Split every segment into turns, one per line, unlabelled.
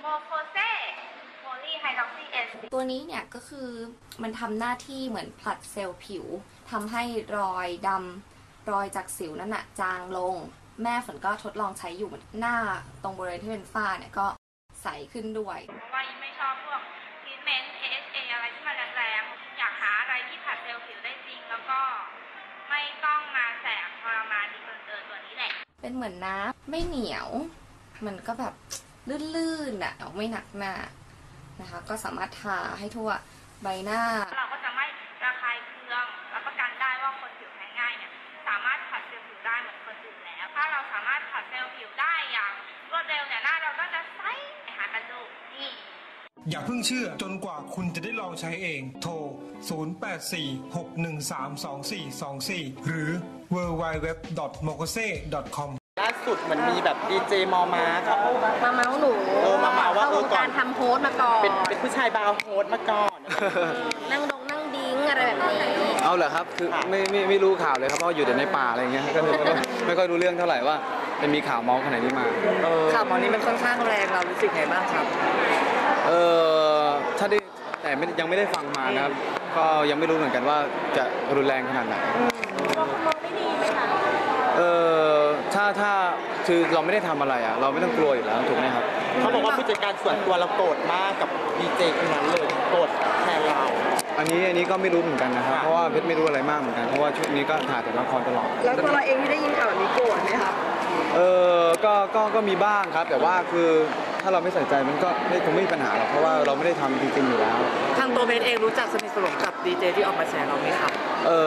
โคเซโพลีไฮดรอกซีเอส
ตัวนี้เนี่ยก็คือมันทำหน้าที่เหมือนผลัดเซลล์ผิวทำให้รอยดำรอยจากสิวนั่นน่ะจางลงแม่ฝนก็ทดลองใช้อยู่หน้าตรงบริเวณที่เป็นฝ้าเนี่ยก็ใสขึ้นด้วย
เพราะว่ายิ่งไม่ชอบพวกทรีทเมนต์ AHA อะไรที่มันแรงๆอยากหาอะไรที่ผลัดเซลล์ผิวได้จริงแล้วก็ไม่ต้องมาแสบทรมานดีเกินตัวนี้แหละ
เป็นเหมือนน้ำไม่เหนียวมันก็แบบลื่นๆอ่ะไม่หนักหน้านะคะก็สามารถทาให้ทั่วใบหน้า
เราก็จะไม่ระคายเคืองรับประกันได้ว่าคนผิวแพ้ง่ายเนี่ยสามารถผัดเซลล์ผิวได้เหมือนคนอื่นแล้วถ้าเราสามารถผัดเซลล์ผิวได้อย่างรวดเร็วเนี่ยหน้าเราก็จะใสหากันดูนี่
อย่าเพิ่งเชื่อจนกว่าคุณจะได้ลองใช้เองโทร 0846132424 หรือ www.mokose.com
ล่าสุดเหมือนมีแบบดีเจมอมาเขา
มาเมาส์หนู
มาเมาว่า
ก่อนทำโพสมาก่อน
เป็นผู้ชายบาวโฮสมาก่อน
นั่งดิ้งอะไรแบบนี้
เอาเหรอครับคือไม่รู้ข่าวเลยครับเพราะอยู่แต่ในป่าอะไรอย่างเงี้ยก็ไม่ค่อยรู้เรื่องเท่าไหร่ว่าเป็นมีข่าวเมาส์ขนาดนี้มา
ข่าวเมาส์นี้มันค่อนข้างแรงเรารู้สึกไงบ้างครับ
ถ้าได้แต่ยังไม่ได้ฟังมานะครับก็ยังไม่รู้เหมือนกันว่าจะรุนแรงขนาดไหน
เรามองไม่ดีไหมคะ
ถ้าคือเราไม่ได้ทำอะไรอ่ะเราไม่ต้องกลัวอยู่แล้วถูกไหมครับ
เขาบอกว่าผู้จัดการส่วนตัวเราโกรธมากกับดีเจคนนั้นเลยโกรธแทนเรา
อันนี้ก็ไม่รู้เหมือนกันนะครับเพราะว่าเพชรไม่รู้อะไรมากเหมือนกันเพราะว่าชุดนี้ก็ถ่ายแต่ละครตลอด
แล้วตัวเราเองที่ได้ยินข่าวนี้โกรธไหมครับ
ก็มีบ้างครับแต่ว่าคือถ้าเราไม่ใส่ใจมันก็คงไม่มีปัญหาหรอกเพราะว่าเราไม่ได้ทำจริงๆอยู่แล้ว
ทางตัวเบนเองรู้จักสนิทสนมกับดีเจที่ออกมาแชร์เราไหมครับ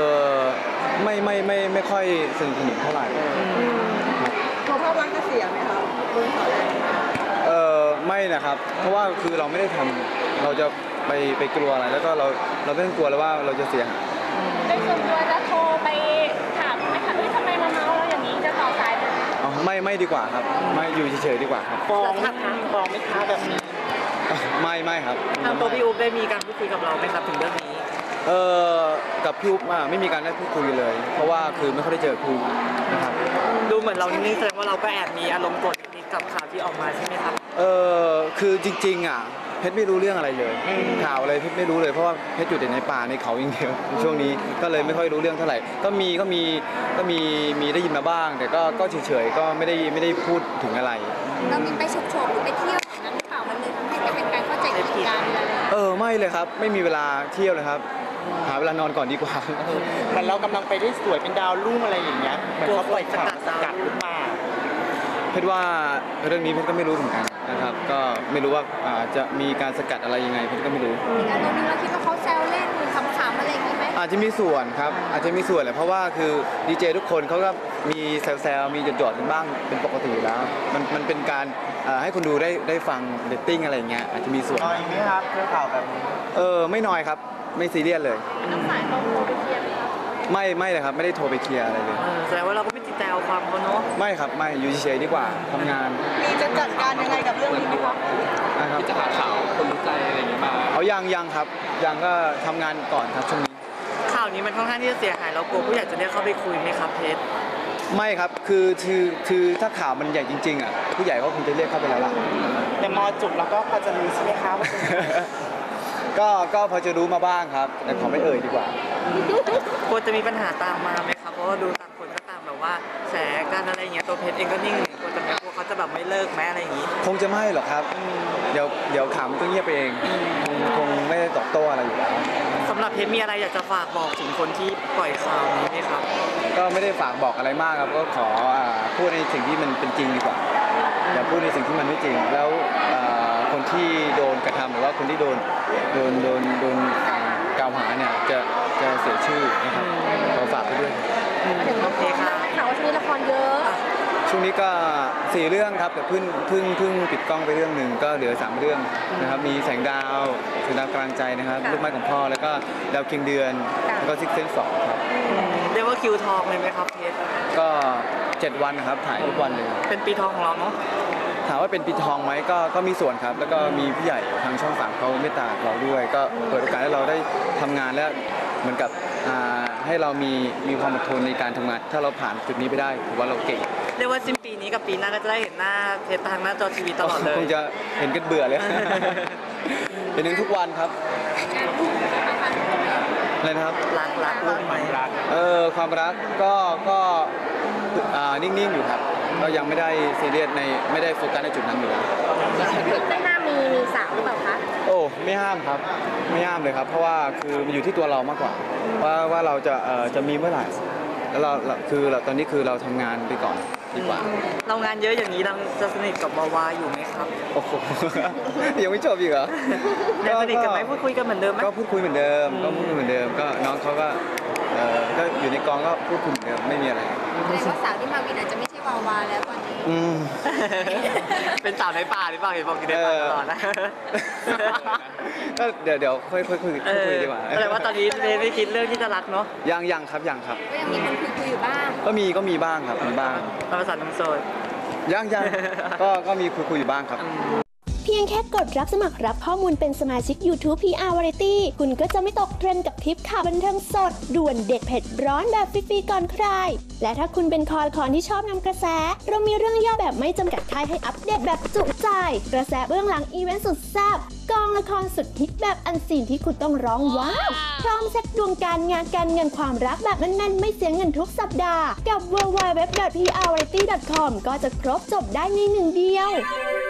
ไม่ค่อยสนิทสนมเท่าไหร่
ตัวภาพลักษณ์จะเสียไหมครับโดนข่าวแรง
ไม่นะครับเพราะว่าคือเราไม่ได้ทำเราจะไปกลัวอะไรแล้วก็เราไม่ต้องกลัวแล้วว่าเราจะเสียหาย
ในส่วนตัวจะโทรไปถามไหมคะทำไมมาเมาเราอย่างนี้จะต่อสายเลย
ไม่ดีกว่าครับไม่อยู่เฉยๆดีกว่าครับ
ฟ้องไม่ค้าแบบนี้
ไม่ครับ
ทางตัวพี่อุ๊บได้มีการพูดคุยกับเราไหมครับถึงเรื่องนี้
กับพี่อุ๊บไม่มีการได้พูดคุยเลยเพราะว่าคือไม่ค่อยได้เจอครูนะครับ
ดูเหมือนเรานิ่งๆแสดงว่าเราก็แอบมีอารมณ์โกรธนิดๆกับข่าวที่ออกมาใช่ไหมครับ
คือจริงๆเพชรไม่รู้เรื่องอะไรเลยข่าวอะไรเพชรไม่รู้เลยเพราะว่าเพชรอยู่แต่ในป่าในเขาอย่างเดียวช่วงนี้ก็เลยไม่ค่อยรู้เรื่องเท่าไหร่ก็มีได้ยินมาบ้างแต่ก็เฉยๆก็ไม่ได้พูดถึงอะไร
เรามีไปฉุกเฉินหรือไปเที่ยวอย่างนั้นหรือเปล่ามันเลยทำให้เป็นการเข้าใจผิดกัน
ไม่เลยครับไม่มีเวลาเที่ยวเลยครับหาเวลานอนก่อนดีกว่า
มันเรากำลังไปได้สวยเป็นดาวรุ่งอะไรอย่างเงี้ยเหมือนเขาปล่อยข่าวกัดขึ้นมา
เพชรว่าเรื่องนี้เพชรก็ไม่รู้เหมือนกันนะครับก็ไม่รู้ว่าจะมีการสกัดอะไรยังไงเพชรก็ไม่รู้
การตรงนี้เราคิดว่าเขาแซวเล่นขำๆอะไรอย่างนี้ไหม
อาจจะมีส่วนครับอาจจะมีส่วนแหละเพราะว่าคือดีเจทุกคนเขาก็มีแซวมีหยอดๆกันบ้างเป็นปกติอยู่แล้วมันเป็นการให้คนดูได้ฟังเรตติ้งอะไรอย่างเงี้ยอาจจะมีส่วน
น้อยไหมครับเรื่องข่าวแบบนี้
ไม่น้อยครับไม่ซีเรียสเลย
น้ำสายเราโทรไปเคลียร์ไหมครับ
ไม่เลยครับไม่ได้โทรไปเคลียร์อะไรเลย
แสดงว่าเราก็ไม่ติดใจเอาความเขาเนาะ
ไม่ครับไม่อยู่เฉยๆดีกว่าทำงาน
มีจะจัดการยังไงกับเรื่องนี้ไหมครับ
ที่
จะหาข่าวคนรู้ใจอะไรอย่างเงี้ยมา
ยังครับยังก็ทำงานก่อนครับช่วงนี้
ข่าวนี้มันค่อนข้างที่จะเสียหายเรากลัวผู้ใหญ่จะเรียกเข้าไปคุยไหมครับเพชร
ไม่ครับคือถ้าข่าวมันใหญ่จริงๆผู้ใหญ่ก็คงจะเรียกเข้าไปแล้วล่ะ
แต่มอจุกแล้วก็พอจะรู้ใช่ไหมครับ
ก็พอจะรู้มาบ้างครับแต่ขอไม่เอ่ยดีกว่
ากลัวจะมีปัญหาตามมาไหมครับเพราะว่าดูต่างคนก็ต่างแบบว่าแฉกันอะไรอย่างเงี้ยตัวเพชรเองก็นิ่งกลัวจะไม่กลัวเขาจะแบบไม่เลิกแม้อะไรอย่างงี้
คงจะไม่หรอกครับเดี๋ยวขำก็เงียบไปเองคงไม่ได้ตอบโต้อะไรอยู่แล้ว
สำหรับเพชรมีอะไรอยากจะฝากบอกถึงคนที่ปล่อยข่าวนี้ไหมครับ
ก็ไม่ได้ฝากบอกอะไรมากครับก็ขอพูดในสิ่งที่มันเป็นจริงดีกว่าอย่าพูดในสิ่งที่มันไม่จริงแล้วคนที่โดนกระทำหรือว่าคนที่โดนกล่าวหาเนี่ยจะเสียชื่อนะครับขอฝากไปด้วย
โอเคค่ะข่าวว่าช่วงนี้ละครเยอะ
ช่วงนี้ก็4 เรื่องครับแต่เพิ่งปิดกล้องไปเรื่องหนึ่งก็เหลือ3 เรื่องนะครับมีแสงดาวกลางใจนะครับลูกไม้ของพ่อแล้วก็ดาวเคียงเดือนแล้วก็ซิกเซนส์2ครับ
เรียกว่าคิวทองเลยไหมครับเพชร
ก็7 วันนะครับถ่ายทุกวันเลย
เป็นปีทองของเราเนาะ
ถามว่าเป็นปีทองไหมก็มีส่วนครับแล้วก็มีผู้ใหญ่ทางช่อง3เขาเมตตาเราด้วยก็เปิดโอกาสให้เราได้ทำงานและเหมือนกับให้เรามีความอดทนในการทำงานถ้าเราผ่านจุดนี้ไปได้ถือว่าเราเก่ง
เรียกว่าสิ้นปีนี้กับปีหน้าก็จะได้เห็นหน้าเพชรทางหน้าจอทีวีตลอดเลย
คงจะเห็นกันเบื่อเลย เห็นถึงทุกวันครับอะไรนะครับ
รักลูกไหม
ความรักก็นิ่งๆอยู่ครับ ก็ยังไม่ได้ซีเรียสไม่ได้โฟกัสในจุดนั้นอยู่แล้ว
ไม่น่ามีสาวหรือเปล่าคะ
โอ้ไม่ห้ามครับไม่ห้ามเลยครับ เพราะว่าคือมันอยู่ที่ตัวเรามากกว่า ว่าเราจะมีเมื่อไหร่แล้วเราตอนนี้คือเราทำงานไปก่อนดีกว่า
เรางานเยอะอย่างนี้เราจะสนิทกับวาวาอยู่ไหมครับ
โอ้โห ยังไม่จบอีกเหรอ
ยังสนิทกันไหมพูดคุยกันเหมือนเดิมไหม
ก็พูดคุยเหมือนเดิมก็น้องเขาก็ก็อยู่ในกองก็พูดคุยเหมือนเดิมไม่มีอะไร
แสดงว่าสาวที่มาวินอาจจะไม่ใช่วาวาแล้วตอนนี้
เป็นสาวในป่าหรือเปล่าเห็นบอกอยู่ในป่าตลอดนะ
ก็เดี๋ยวค่อยคุยดีกว่า
แสดงว่าตอนนี้ไม่คิดเรื่องที่จะรักเนาะ
ยังครับ
ก็ยังมีคนคุยอยู่บ้าง
ก็มีบ้างครับมีบ้าง
ภาษาน้ำโซน
ยังก็มีคุยอยู่บ้างครับ
เพียงแค่กดรับสมัครรับข้อมูลเป็นสมาชิก YouTube PR Variety คุณก็จะไม่ตกเทรนด์กับทริปข่าวบันเทิงสด ด่วนเด็ดเผ็ดร้อนแบบฟรีๆก่อนใคร และถ้าคุณเป็นคอละคอนที่ชอบนำกระแส เรามีเรื่องย่อแบบไม่จำกัดท้ายให้อัปเดตแบบจุใจ กระแสเบื้องหลังอีเวนต์สุดแซ่บกองละครสุดฮิตแบบอันซีนที่คุณต้องร้องว้าวพร้อมเซ็ตดวงการงานการเงินความรักแบบแน่นๆไม่เสียเงินทุกสัปดาห์กับ www.prvariety.com ก็จะครบจบได้ในหนึ่งเดียว